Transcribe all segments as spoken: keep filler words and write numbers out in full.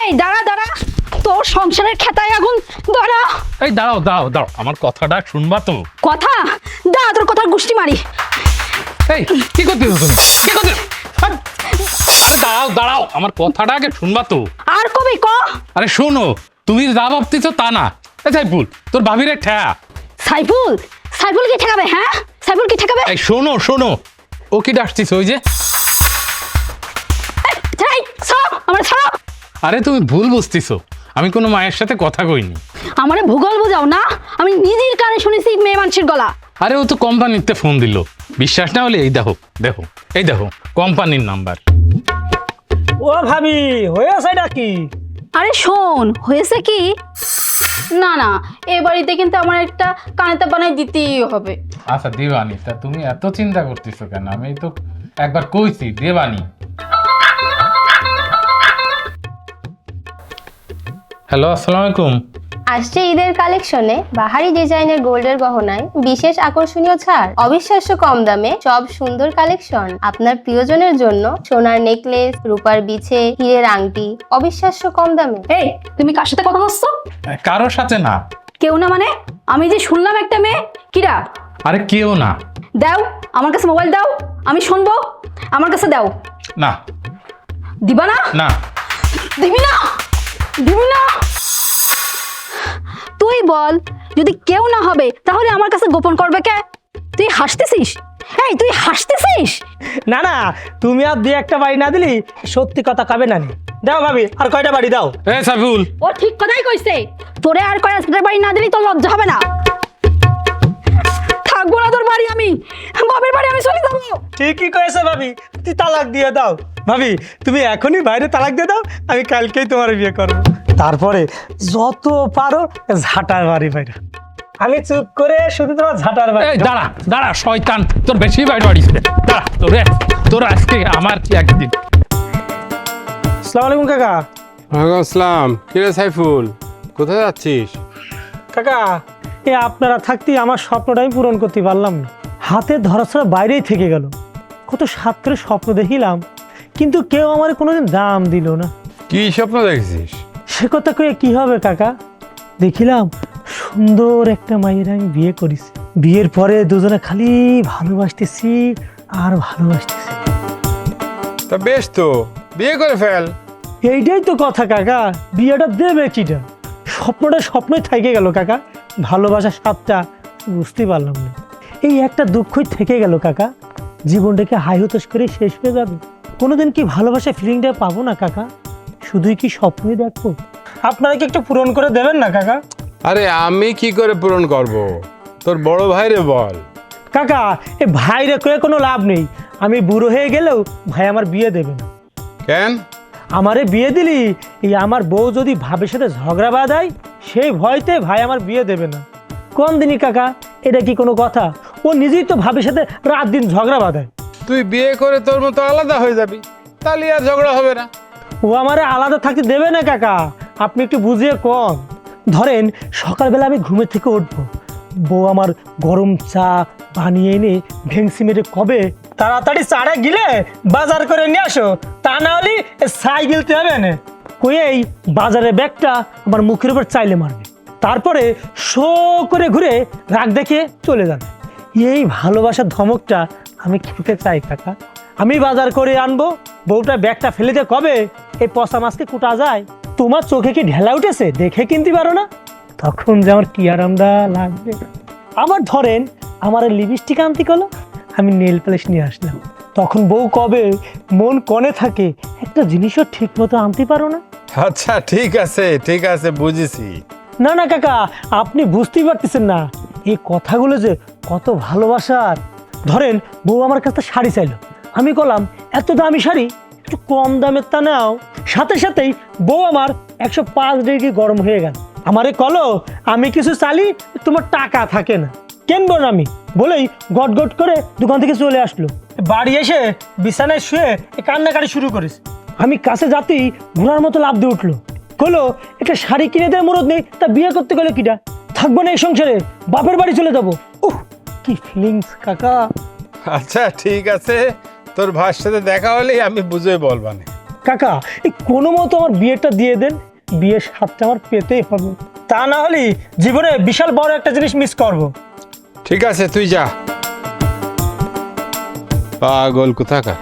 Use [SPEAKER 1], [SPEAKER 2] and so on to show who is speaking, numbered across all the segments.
[SPEAKER 1] এই দাঁড়া দাঁড়া, তোর সংসারের খেতায় আগুন। দাঁড়া।
[SPEAKER 2] এই দাঁড়াও দাঁড়াও দাঁড়াও, আমার কথাটা শুনবা তো?
[SPEAKER 1] কথা দাঁড়া, তোর কথার গুষ্টি মারি।
[SPEAKER 2] এই কি করতেছো তুমি? কি করতেছো? আরে দাঁড়াও দাঁড়াও, আমার কথাটা আগে শুনবা তো?
[SPEAKER 1] আর কবে ক?
[SPEAKER 2] আরে শোনো, তুমি যা ভাবতেছো তা না। এই সাইফুল, তোর ভাবিরে ঠেয়া।
[SPEAKER 1] সাইফুল? সাইফুল কি ঠেকাবে? হ্যাঁ, সাইফুল কি ঠেকাবে?
[SPEAKER 2] এই শোনো শোনো, ও কি ডাকছিস? ওই যে
[SPEAKER 1] এই সব আমার সব।
[SPEAKER 2] আরে তুমি ভুল বুঝতেছো, আমি কোনো মায়ের সাথে কথা কইনি।
[SPEAKER 1] আমারে ভূগোল বোঝাও না, আমি নিজের কানে শুনেছি মেয়ে মানুষের গলা।
[SPEAKER 2] আরে ও তো কোম্পানিতে ফোন দিল, বিশ্বাস না হলে এই দেখো দেখো এই দেখো কোম্পানির নাম্বার।
[SPEAKER 3] ও ভাবি, হয়েছে নাকি?
[SPEAKER 1] আরে শোন, হয়েছে কি? না না, এ বাড়িতে কিন্তু আমার একটা কানেতে বানাই দিতেই হবে।
[SPEAKER 2] আচ্ছা দেবানি, তা তুমি এত চিন্তা করতেছো কেন? আমি তো একবার কইছি দেবানি। হ্যালো, আসসালামু আলাইকুম।
[SPEAKER 4] আসছে ঈদের কালেকশনে বাহারি ডিজাইনের গোল্ডের গহনায় বিশেষ আকর্ষণীয় ছাড়, অবিশ্বাস্য কম দামে সব সুন্দর কালেকশন। আপনার প্রিয়জনের জন্য সোনার নেকলেস, রূপার বিছে, হীরের আংটি, অবিশ্বাস্য কম দামে।
[SPEAKER 1] এই তুমি কার সাথে কথা বলছো?
[SPEAKER 2] কারোর সাথে না।
[SPEAKER 1] কেউ না মানে? আমি যে শুনলাম একটা মেয়ে। কিরা?
[SPEAKER 2] আরে কেউ না।
[SPEAKER 1] দাও আমার কাছে মোবাইল দাও, আমি শুনবো। আমার কাছে দাও।
[SPEAKER 2] না।
[SPEAKER 1] দিবা না?
[SPEAKER 2] না।
[SPEAKER 1] দিবি না? দিবি না? তুই বল, যদি কেউ না হবে তাহলে আমার কাছে গোপন করবে কে? তুই হাসতেছিস? এই তুই হাসতেছিস?
[SPEAKER 3] না না, তুমি আর দুই একটা বাড়ি না দিলি সত্যি কথা কাবে না নি। দাও ভাবি, আর কয়টা বাড়ি দাও।
[SPEAKER 2] এ সাইফুল,
[SPEAKER 1] ও ঠিক কথাই কইছে। তোরে আর কয়টা বাড়ি না দিলি তোর লজ্জা হবে না? থাকবো না তোর বাড়ি, আমি বাপের বাড়ি আমি চলে যাবো।
[SPEAKER 3] ঠিকই কয়েছে ভাবি, তুই তালাক দিয়ে দাও। ভাবি তুমি এখনই বাইরে তালাক দিয়ে দাও, আমি কালকেই তোমার বিয়ে করবো। তারপরে যত পারো ঝাঁটার বাড়ি বাইরে। আমি চুপ করে শুধু তোমার ঝাঁটার বাড়ি।
[SPEAKER 2] এই দাঁড়া দাঁড়া শয়তান, তোর বেশি বাইট বাড়িছে। দাঁড়া তোরে, তোর আজকে আমার কি একদিন।
[SPEAKER 3] আসসালামু আলাইকুম কাকা।
[SPEAKER 5] ওয়ালাইকুম আসসালাম। কিরে সাইফুল, কোথায় যাচ্ছিস?
[SPEAKER 3] কাকা, এ আপনারা থাকতেই আমার স্বপ্নটা আমি পূরণ করতে পারলাম না। হাতে ধরা ছাড়া বাইরেই থেকে গেল। কত সাত করে স্বপ্ন দেখিলাম, কিন্তু কেউ আমার কোনোদিন দাম দিল না।
[SPEAKER 5] কি স্বপ্ন দেখছিস?
[SPEAKER 3] সে কথা কয়ে কি হবে কাকা? দেখিলাম সুন্দর একটা মায়ের আমি বিয়ে করেছি। বিয়ের পরে দুজনে খালি ভালোবাসতেছি আর ভালোবাসতেছি।
[SPEAKER 5] তা বেশ তো, বিয়ে করে ফেল।
[SPEAKER 3] এইটাই তো কথা কাকা, বিয়েটা দেবে কিটা? স্বপ্নটা স্বপ্নই থেকে গেল কাকা। ভালোবাসার স্বাদটা বুঝতে পারলাম না। এই একটা দুঃখই থেকে গেল কাকা। জীবনটাকে হাই হতাশ করে শেষ হয়ে যাবে। কোনোদিন কি ভালোবাসা ফিলিংটা পাবো না কাকা? শুধুই কি স্বপ্নই দেখবো? আপনারা কি একটু পূরণ করে দেবেন না কাকা?
[SPEAKER 5] আরে আমি কি করে পূরণ করব? তোর বড় ভাইরে বল।
[SPEAKER 3] কাকা, এ ভাইরে কয়ে কোনো লাভ নেই। আমি বুড়ো হয়ে গেলেও ভাই আমার বিয়ে দেবে না।
[SPEAKER 5] কেন?
[SPEAKER 3] আমারে বিয়ে দিলি এই আমার বউ যদি ভাবের সাথে ঝগড়া বাঁধায়, সেই ভয়তে ভাই আমার বিয়ে দেবে না। কোন দিনই কাকা, এটা কি কোনো কথা? ও নিজেই তো ভাবের সাথে রাত দিন ঝগড়া বাঁধায়।
[SPEAKER 5] তুই বিয়ে করে তোর মতো আলাদা হয়ে যাবি, তাহলে আর ঝগড়া হবে না।
[SPEAKER 3] ও আমারে আলাদা থাকতে দেবে না কাকা, আপনি একটু বুঝিয়ে কন। ধরেন সকালবেলা আমি ঘুমের থেকে উঠবো, বউ আমার গরম চা বানিয়ে এনে ভেংসি মেরে কবে, তাড়াতাড়ি চাটা গিলে বাজার করে নিয়ে আসো, তা না হলে ছাই গিলতে হবে না। কয়েই বাজারের ব্যাগটা আমার মুখের উপর চাইলে মারবে, তারপরে শো করে ঘুরে রাগ দেখে চলে যাবে। এই ভালোবাসার ধমকটা আমি খেতে চাই কাকা। আমি বাজার করে আনবো, বউটা ব্যাগটা ফেলে দিয়ে কবে এই পচা মাছকে কুটা যায়। তোমার চোখে কি ঢেলা উঠেছে দেখে কিনতে পারো না? তখন যে আমার কি আরামদা লাগবে। আবার ধরেন আমার লিপস্টিক আনতে গেলো, আমি নেল পালিশ নিয়ে আসলাম, তখন বউ কবে মন কনে থাকে একটা জিনিসও ঠিক মতো আনতে পারো না।
[SPEAKER 5] আচ্ছা ঠিক আছে ঠিক আছে, বুঝেছি।
[SPEAKER 3] না না কাকা, আপনি বুঝতেই পারতেছেন না এই কথাগুলো যে কত ভালোবাসার। ধরেন বউ আমার কাছে শাড়ি চাইলো, আমি বললাম এত দামি শাড়ি একটু কম দামের তা নাও। সাথে সাথেই বউ আমার একশো পাঁচ ডিগ্রি গরম হয়ে গেল। আমারে কলো আমি কিছু চালি, তোমার টাকা থাকে না, কেনবো না আমি বলেই গট গট করে দোকান থেকে চলে আসলো। বাড়ি এসে বিছানায় শুয়ে কান্নাকাটি শুরু করেছে। আমি কাছে যাতেই ঘোড়ার মতো লাফ দিয়ে উঠলো, কলো একটা শাড়ি কিনে দেয় মরদ নেই, তা বিয়ে করতে গেলে কিটা? থাকবো না এই সংসারে, বাপের বাড়ি চলে যাবো। উহ কি ফিলিংস কাকা।
[SPEAKER 5] আচ্ছা ঠিক আছে, তোর ভাইয়ের সাথে দেখা হলেই আমি বুঝে বলবানে।
[SPEAKER 3] কাকা এই কোনো মতো আমার বিয়েটা দিয়ে দেন, বিয়ের স্বাদটা আমার পেতেই হবে, তা না হলে জীবনে বিশাল বড় একটা জিনিস মিস করব।
[SPEAKER 5] ঠিক আছে তুই যা। পাগল কোথাকার।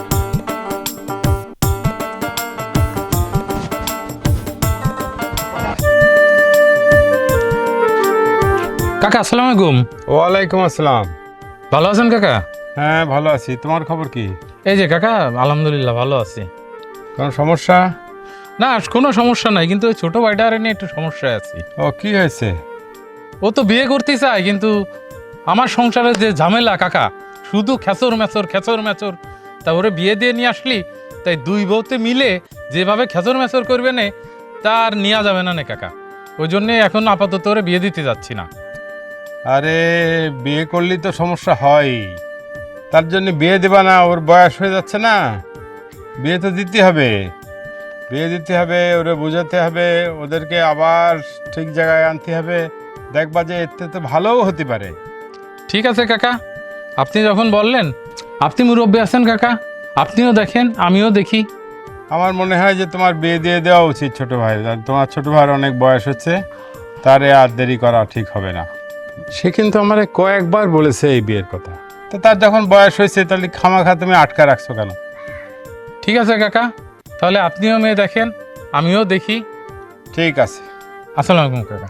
[SPEAKER 2] কাকা আসসালামু আলাইকুম।
[SPEAKER 5] ওয়ালাইকুম আসসালাম।
[SPEAKER 2] ভালো আছেন কাকা?
[SPEAKER 5] হ্যাঁ ভালো আছি, তোমার খবর কি?
[SPEAKER 2] এই যে কাকা আলহামদুলিল্লাহ ভালো আছি।
[SPEAKER 5] কোনো সমস্যা?
[SPEAKER 2] না কোনো সমস্যা নাই, কিন্তু ওই ছোট ভাইটারে নিয়ে একটু সমস্যায় আছি।
[SPEAKER 5] ও কি হয়েছে?
[SPEAKER 2] ও তো বিয়ে করতে চায়, কিন্তু আমার সংসারের যে ঝামেলা কাকা, শুধু খেচর মেচর খেচর মেচর। তা ওরে বিয়ে দিয়ে নিয়ে আসলি, তাই দুই বউতে মিলে যেভাবে খেচর মেচর করবে না তার নেওয়া যাবে না নে কাকা। ওই জন্যে এখন আপাতত ওরে বিয়ে দিতে যাচ্ছি না।
[SPEAKER 5] আরে বিয়ে করলে তো সমস্যা হয়, তার জন্য বিয়ে দেবা না? ওর বয়স হয়ে যাচ্ছে না, বিয়ে তো দিতে হবে। বিয়ে দিতে হবে, ওরে বোঝাতে হবে, ওদেরকে আবার ঠিক জায়গায় আনতে হবে। দেখবা যে এতে তো ভালোও হতে পারে।
[SPEAKER 2] ঠিক আছে কাকা, আপনি যখন বললেন, আপনি মুরব্বী আছেন কাকা, আপনিও দেখেন আমিও দেখি।
[SPEAKER 5] আমার মনে হয় যে তোমার বিয়ে দিয়ে দেওয়া উচিত ছোট ভাই। আর তোমার ছোট ভাইয়ের অনেক বয়স হচ্ছে, তারে আর দেরি করা ঠিক হবে না। সে কিন্তু আমার কয়েকবার বলেছে এই বিয়ের কথা। তো তার যখন বয়স হয়েছে, তাহলে খামাখা তুমি আটকা রাখছো কেন?
[SPEAKER 2] ঠিক আছে কাকা, তাহলে আপনিও মেয়ে দেখেন আমিও দেখি।
[SPEAKER 5] ঠিক আছে।
[SPEAKER 2] আসসালামু আলাইকুম কাকা।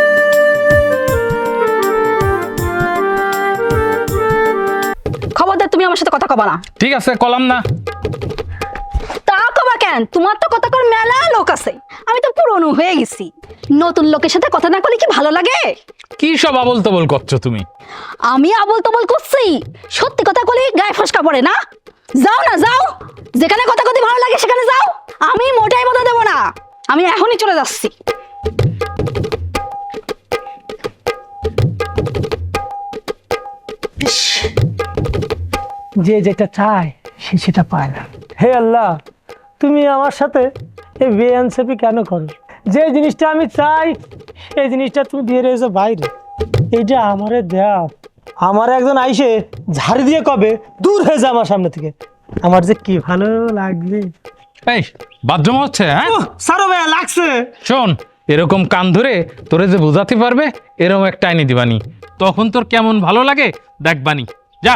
[SPEAKER 1] খবরদার তুমি আমার সাথে কথা কবা না।
[SPEAKER 2] ঠিক আছে কলাম না।
[SPEAKER 1] তা কবা কেন? তোমার তো কথা কর মেলা লোক আছে, আমি তো পুরনো হয়ে গেছি। নতুন লোকের সাথে কথা না করলে কি ভালো লাগে?
[SPEAKER 2] কি সব আবল তবল করছো তুমি?
[SPEAKER 1] আমি আবল তবল করছি? সত্যি কথা বলি গায়ে ফসকা পড়ে না? যাও না যাও, যেখানে কথা কথা ভালো লাগে সেখানে যাও। আমি মোটাই কথা দেবো না, আমি এখনই চলে যাচ্ছি।
[SPEAKER 3] যে যেটা চায় সে সেটা পায় না। হে আল্লাহ, তুমি আমার সাথে এই বেআইনসাফি কেন করো? যে জিনিসটা আমি চাই সেই জিনিসটা তুমি দিয়ে রয়েছো বাইরে। এইটা আমারে দেও। আমার একজন আইসে ঝাড়ি দিয়ে কবে দূর হয়ে যা আমার সামনে থেকে, আমার যে কি ভালো লাগবে।
[SPEAKER 2] এই বাথরুম হচ্ছে? হ্যাঁ
[SPEAKER 3] সারো ভাইয়া লাগছে।
[SPEAKER 2] শোন, এরকম কান ধরে তোরে যে বোঝাতে পারবে এরকম একটা আইনি দিবানি, তখন তোর কেমন ভালো লাগে দেখবানি। যা।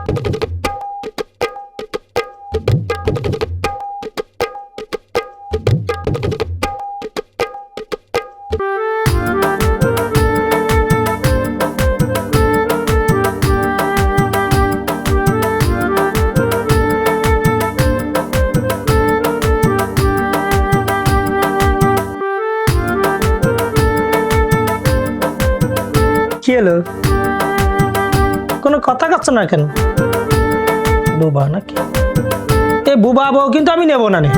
[SPEAKER 3] কি হলো? কোনো কথা কাচ্ছ না কেন? বুবা নাকি? এ বুবা বউ কিন্তু আমি নেব না নে।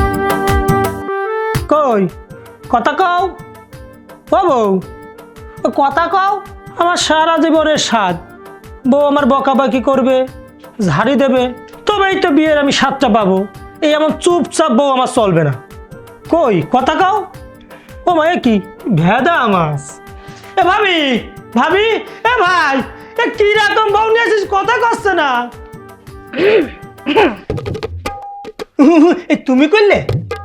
[SPEAKER 3] কই কথা কও ও বউ, ও কথা কও। আমার সারা জীবনের স্বাদ, বউ আমার বকাবাকি করবে, ঝাড়ি দেবে, তবেই তো বিয়ের আমি স্বাদটা পাবো। এই এমন চুপচাপ বউ আমার চলবে না। কই কথা কও। ও মা এ কি ভেদা মাছ। এ ভাবি ভাবি এ ভাই, এ কি রকম বউ নিয়ে আসিস, কথা কচ্ছে না। এ তুমি করলে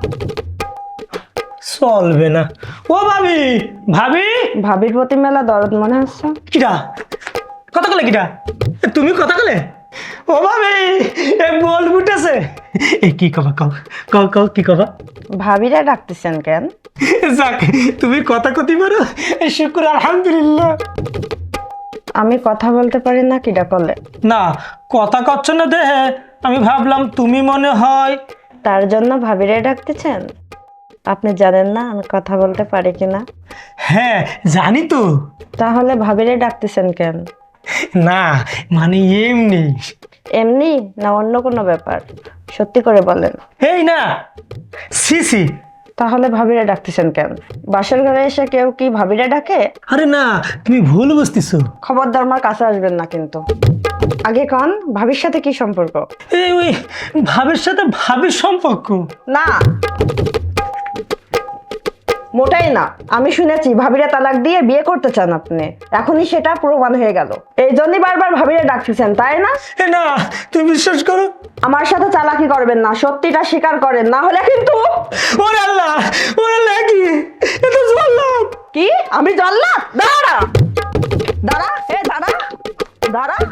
[SPEAKER 3] চলবে না। ও ভাবি ভাবি
[SPEAKER 6] ভাবির প্রতি মেলা দরদ মনে হচ্ছে।
[SPEAKER 3] কিরা কথা কলে? কিরা তুমি কথা কলে? ও ভাবি এ বল ফুটেছে। এ কি কবা কও কও কও কি কবা?
[SPEAKER 6] ভাবিরা ডাকতেছেন কেন?
[SPEAKER 3] যাক তুমি কথা কতি পারো, শুক্র আলহামদুলিল্লাহ।
[SPEAKER 6] আমি কথা বলতে পারি না কিডা করলে?
[SPEAKER 3] না কথা কচ্ছ না দেহে, আমি ভাবলাম তুমি মনে হয়।
[SPEAKER 6] তার জন্য ভাবিরা ডাকতেছেন? আপনি জানেন না আমি কথা বলতে পারি কিনা?
[SPEAKER 3] হ্যাঁ জানি তো।
[SPEAKER 6] তাহলে ভাবিরা ডাকতেছেন কেন?
[SPEAKER 3] না মানে এমনি।
[SPEAKER 6] এমনি না অন্য কোনো ব্যাপার? সত্যি করে বলেন।
[SPEAKER 3] এই না সিসি।
[SPEAKER 6] তাহলে ভাবিরা ডাকতেছেন কেন? বাসর ঘরে এসে কেউ কি ভাবিরা ডাকে?
[SPEAKER 3] আরে না তুমি ভুল বুঝতেছো।
[SPEAKER 6] খবরদার আমার কাছে আসবেন না কিন্তু। আগে কন ভাবির সাথে কি সম্পর্ক?
[SPEAKER 3] এই ওই ভাবির সাথে ভাবির সম্পর্ক
[SPEAKER 6] না মোটাই না। আমি শুনেছি ভাবিরা তালাক দিয়ে বিয়ে করতে চান আপনি, এখনই সেটা প্রমাণ হয়ে গেল। এই জন্যই বারবার ভাবিরা ডাকতেছেন, তাই না?
[SPEAKER 3] এ না, তুমি বিশ্বাস করো।
[SPEAKER 6] আমার সাথে চালাকি করবেন না, সত্যিটা স্বীকার করেন, না হলে কিন্তু।
[SPEAKER 3] ওরে আল্লাহ, ওরে আল্লাহ, কি এ তো জল্লাদ!
[SPEAKER 6] কি? আমি জানলাম? দাঁড়া দাঁড়া, এ দাঁড়া দাঁড়া।